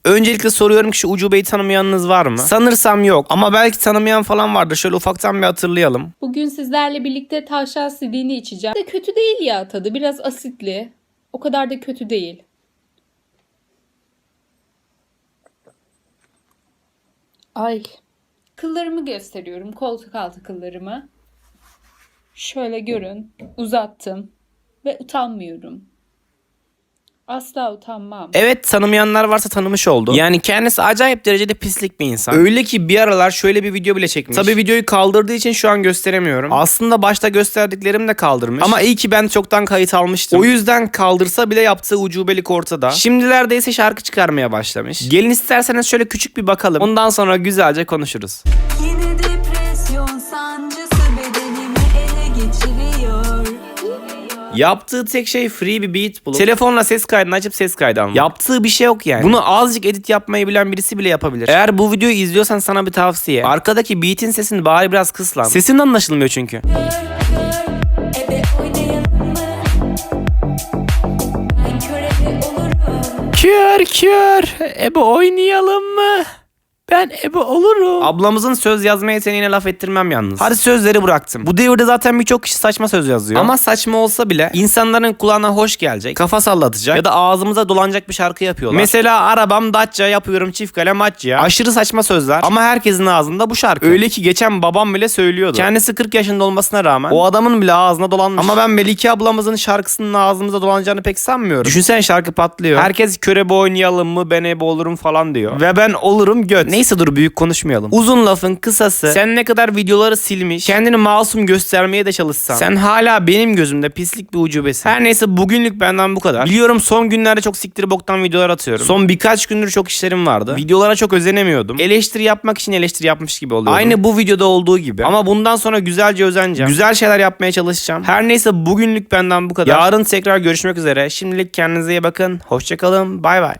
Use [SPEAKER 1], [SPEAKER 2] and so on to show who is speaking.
[SPEAKER 1] Öncelikle soruyorum ki şu ucubeyi tanımayanınız var mı? Sanırsam yok ama belki tanımayan falan vardır. Şöyle ufaktan bir hatırlayalım.
[SPEAKER 2] Bugün sizlerle birlikte tavşan sidini içeceğim. De kötü değil ya tadı. Biraz asitli. O kadar da kötü değil. Ay. Kıllarımı gösteriyorum. Koltuk altı kıllarımı. Şöyle görün. Uzattım. Ve utanmıyorum. Asla utanmam.
[SPEAKER 1] Evet, tanımayanlar varsa tanımış oldu. Yani kendisi acayip derecede pislik bir insan. Öyle ki bir aralar şöyle bir video bile çekmiş. Tabii videoyu kaldırdığı için şu an gösteremiyorum. Aslında başta gösterdiklerim de kaldırmış. Ama iyi ki ben çoktan kayıt almıştım. O yüzden kaldırsa bile yaptığı ucubelik ortada. Şimdilerde ise şarkı çıkarmaya başlamış. Gelin isterseniz şöyle küçük bir bakalım. Ondan sonra güzelce konuşuruz.
[SPEAKER 3] Yine depresyon sancısı bedenimi ele geçiriyor.
[SPEAKER 1] Yaptığı tek şey free bir beat bulup telefonla ses kaydını açıp ses kaydı almak. Yaptığı bir şey yok yani. Bunu azıcık edit yapmayı bilen birisi bile yapabilir. Eğer bu videoyu izliyorsan sana bir tavsiye. Arkadaki beat'in sesini bari biraz kıs lan. Sesin anlaşılmıyor çünkü.
[SPEAKER 3] Ebe oynayalım mı? Ben körebe olurum.
[SPEAKER 1] Kör ebe oynayalım mı? Ben ebe olurum. Ablamızın söz yazma yeteneğine laf ettirmem yalnız. Hadi sözleri bıraktım. Bu devirde zaten birçok kişi saçma söz yazıyor. Ama saçma olsa bile insanların kulağına hoş gelecek, kafa sallatacak ya da ağzımıza dolanacak bir şarkı yapıyorlar. Mesela arabam Dacia, yapıyorum çift kale Macia. Aşırı saçma sözler ama herkesin ağzında bu şarkı. Öyle ki geçen babam bile söylüyordu. Kendisi 40 yaşında olmasına rağmen o adamın bile ağzına dolanmış. Ama ben Melike ablamızın şarkısının ağzımıza dolanacağını pek sanmıyorum. Düşünsene, şarkı patlıyor. Herkes körebe oynayalım mı, ben ebe olurum falan diyor. Ve ben olurum göt. Neyse, dur büyük konuşmayalım. Uzun lafın kısası, sen ne kadar videoları silmiş, kendini masum göstermeye de çalışsan, sen hala benim gözümde pislik bir ucubesin. Her neyse, bugünlük benden bu kadar. Biliyorum son günlerde çok siktir boktan videolar atıyorum. Son birkaç gündür çok işlerim vardı. Videolara çok özenemiyordum. Eleştiri yapmak için eleştiri yapmış gibi oluyorum. Aynı bu videoda olduğu gibi. Ama bundan sonra güzelce özeneceğim. Güzel şeyler yapmaya çalışacağım. Her neyse, bugünlük benden bu kadar. Yarın tekrar görüşmek üzere. Şimdilik kendinize iyi bakın. Hoşçakalın. Bay bay.